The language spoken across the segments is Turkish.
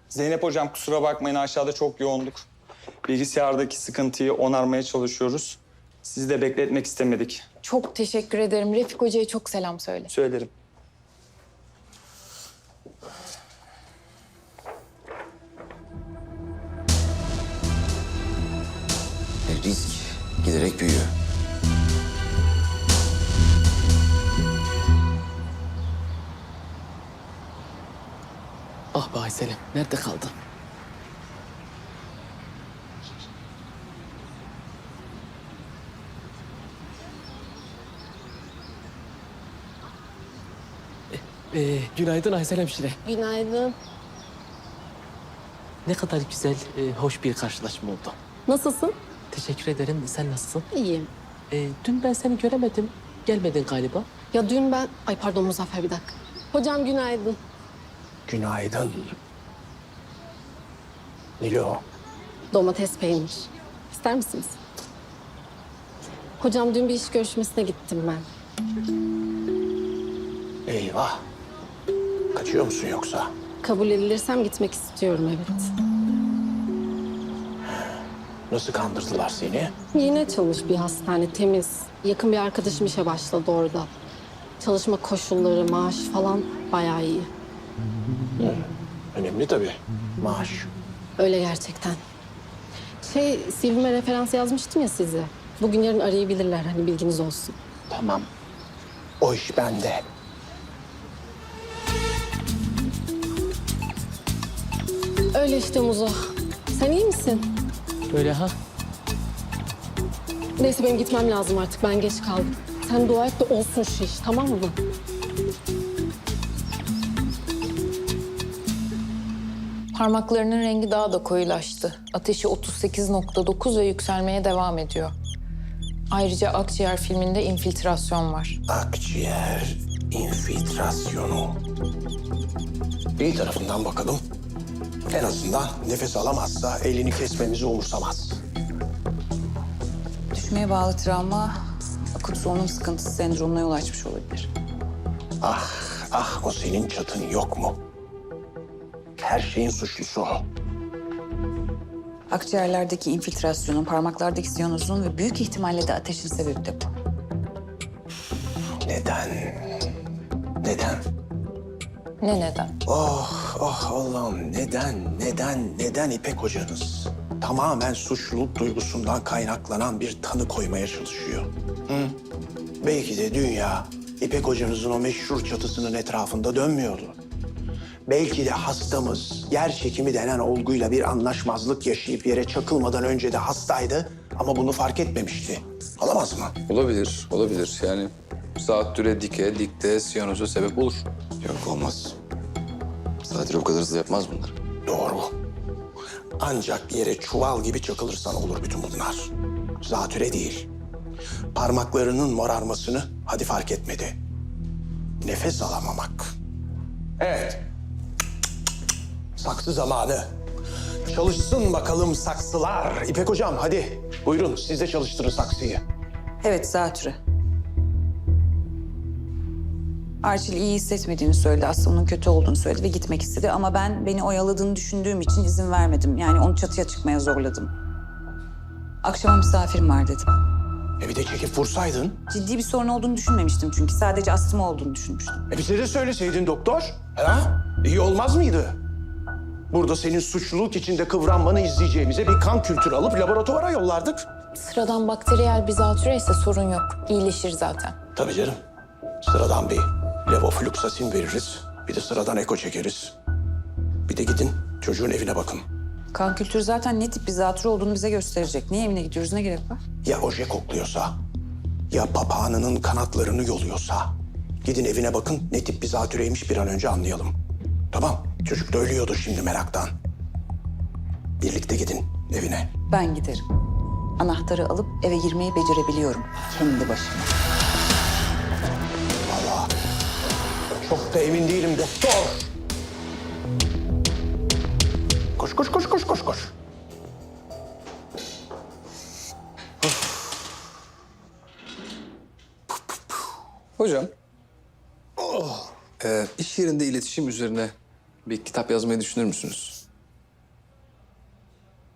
Zeynep hocam kusura bakmayın aşağıda çok yoğunduk. Bilgisayardaki sıkıntıyı onarmaya çalışıyoruz. Sizi de bekletmek istemedik. Çok teşekkür ederim. Refik Hoca'ya çok selam söyle. Söylerim. Risk giderek büyüyor. Ah be Aysel'im, nerede kaldın? Günaydın Aysel hemşire. Günaydın. Ne kadar güzel, hoş bir karşılaşma oldu. Nasılsın? Teşekkür ederim. Sen nasılsın? İyiyim. Dün ben seni göremedim. Gelmedin galiba. Ya dün ben... Ay pardon Muzaffer bir dakika. Hocam günaydın. Günaydın. Nilo. Domates peynir. İster misiniz? Hocam dün bir iş görüşmesine gittim ben. Eyvah. Kaçıyor musun yoksa? Kabul edilirsem gitmek istiyorum evet. Nasıl kandırdılar seni? Yeni açılmış bir hastane temiz. Yakın bir arkadaşım işe başladı orada. Çalışma koşulları, maaş falan bayağı iyi. Önemli tabii. Maaş. Öyle gerçekten. CV'me referans yazmıştım ya size. Bugün yarın arayabilirler hani bilginiz olsun. Tamam. O iş bende. Öyle işte Muzo. Sen iyi misin? Böyle ha? Neyse benim gitmem lazım artık. Ben geç kaldım. Sen dua et de olsun şu iş tamam mı? Parmaklarının rengi daha da koyulaştı. Ateşi 38,9 ve yükselmeye devam ediyor. Ayrıca akciğer filminde infiltrasyon var. Akciğer infiltrasyonu. Bir tarafından bakalım. En azından nefes alamazsa elini kesmemizi umursamaz. Düşmeye bağlı travma, akut solunum sıkıntısı sendromuna yol açmış olabilir. Ah o senin çatın yok mu? Her şeyin suçlusu o. Akciğerlerdeki infiltrasyonun, parmaklardaki siyanozun ve büyük ihtimalle de ateşin sebebi de bu. Neden? Neden? Ne neden? Oh Allah'ım neden İpek hocanız tamamen suçluluk duygusundan kaynaklanan bir tanı koymaya çalışıyor? Hı? Belki de dünya İpek hocanızın o meşhur çatısının etrafında dönmüyordu. Belki de hastamız yer çekimi denen olguyla bir anlaşmazlık yaşayıp yere çakılmadan önce de hastaydı ama bunu fark etmemişti. Olamaz mı? Olabilir, olabilir. Yani zatüre dike, dikte, siyanoza sebep olur. Yok olmaz. Zatüre o kadar hızlı yapmaz bunlar. Doğru. Ancak yere çuval gibi çakılırsan olur bütün bunlar. Zatüre değil. Parmaklarının morarmasını hadi fark etmedi. Nefes alamamak. Evet. Saksı zamanı. Çalışsın bakalım saksılar. İpek hocam hadi buyurun siz de çalıştırın saksıyı. Evet, zatürre. Arçil iyi hissetmediğini söyledi, astımının kötü olduğunu söyledi ve gitmek istedi. Ama ben beni oyaladığını düşündüğüm için izin vermedim. Yani onu çatıya çıkmaya zorladım. Akşama misafirim var dedim. Bir de çekip vursaydın. Ciddi bir sorun olduğunu düşünmemiştim çünkü. Sadece astım olduğunu düşünmüştüm. Bize de söyleseydin doktor. Ha? İyi olmaz mıydı? Burada senin suçluluk içinde kıvranmanı izleyeceğimize bir kan kültürü alıp laboratuvara yollardık. Sıradan bakteriyel bir zatürre ise sorun yok. İyileşir zaten. Tabii canım. Sıradan bir levofluksasin veririz. Bir de sıradan eko çekeriz. Bir de gidin çocuğun evine bakın. Kan kültürü zaten ne tip bir zatürre olduğunu bize gösterecek. Niye evine gidiyoruz, ne gerek var? Ya oje kokluyorsa, ya papağanının kanatlarını yoluyorsa. Gidin evine bakın ne tip bir zatürreymiş bir an önce anlayalım. Tamam, çocuk da ölüyordu şimdi meraktan. Birlikte gidin evine. Ben giderim. Anahtarı alıp eve girmeyi becerebiliyorum. Kendi başıma. Vallahi çok da emin değilim doktor. Koş. Hocam, iş yerinde iletişim üzerine bir kitap yazmayı düşünür müsünüz?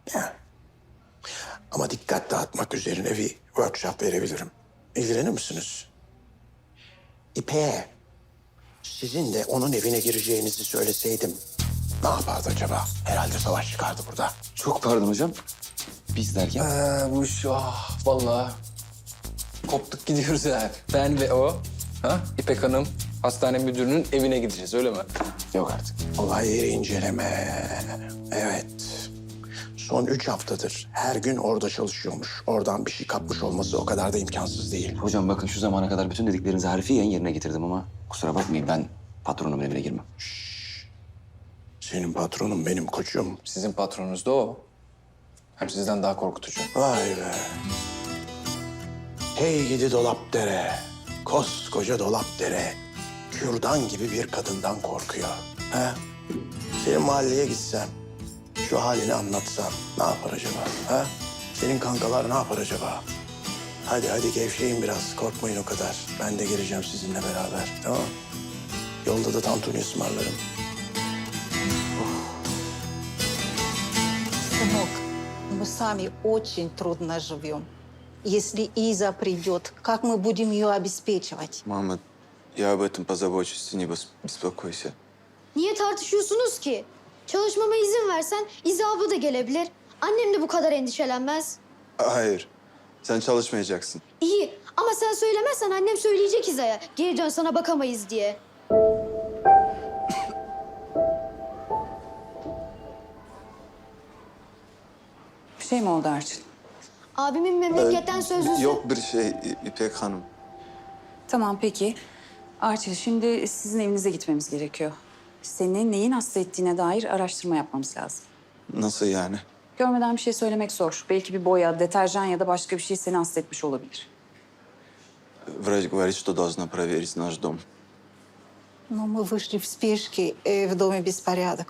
Ya. Ama dikkat dağıtmak üzerine bir workshop verebilirim. İlgilenir misiniz? İpek'e sizin de onun evine gireceğinizi söyleseydim ne yapardı acaba? Herhalde savaş çıkardı burada. Çok pardon hocam. Biz derken? Bu iş vallahi koptuk gidiyoruz yani. Ben ve o, İpek Hanım hastane müdürünün evine gideceğiz öyle mi? Yok artık. Olay yeri inceleme. Evet. Son 3 haftadır her gün orada çalışıyormuş. Oradan bir şey kapmış olması o kadar da imkansız değil. Hocam bakın şu zamana kadar bütün dediklerinizi harfiyen yerine getirdim ama kusura bakmayın ben patronumun evine girmem. Senin patronun benim koçum. Sizin patronunuz da o. Hem sizden daha korkutucu. Vay be. Hey gidi Dolapdere. Koskoca Dolapdere. Kürdan gibi bir kadından korkuyor. Ha? Senin mahalleye gitsem, şu halini anlatsam ne yapar acaba? Ha? Senin kankalar ne yapar acaba? Hadi gevşeyin biraz. Korkmayın o kadar. Ben de geleceğim sizinle beraber. Tamam. Yolda da tantuni ısmarlarım. Сынок, мы сами очень трудно живем. Если Иза придет, как мы будем ее обеспечивать? Мама, я об этом позабочусь, ты не беспокойся. Niye tartışıyorsunuz ki? Çalışmama izin versen İza abla da gelebilir. Annem de bu kadar endişelenmez. Hayır, sen çalışmayacaksın. İyi ama sen söylemezsen annem söyleyecek İza'ya. Geri dön sana bakamayız diye. Bir şey mi oldu Arçın? Abimin memleketten sözlüsü. Yok bir şey İpek Hanım. Tamam peki. Arçın şimdi sizin evinize gitmemiz gerekiyor. Seni neyin hasta ettiğine dair araştırma yapmamız lazım. Nasıl yani? Görmeden bir şey söylemek zor. Belki bir boya, deterjan ya da başka bir şey seni hasta etmiş olabilir. Врач говорит, что должна проверить наш дом. Но мы вышли в спешке, в доме беспорядок.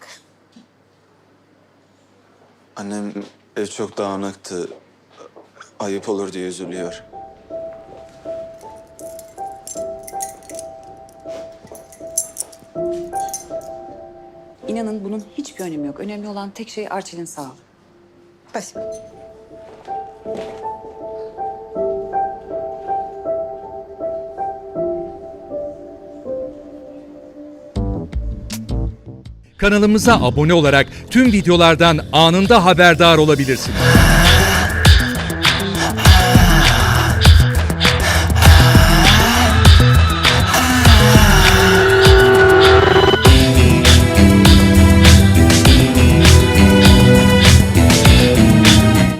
Annem ev çok dağınıktı. Ayıp olur diye üzülüyor. İnanın bunun hiçbir önemi yok. Önemli olan tek şey Arçel'in sağlığı. Спасибо. Kanalımıza abone olarak tüm videolardan anında haberdar olabilirsiniz.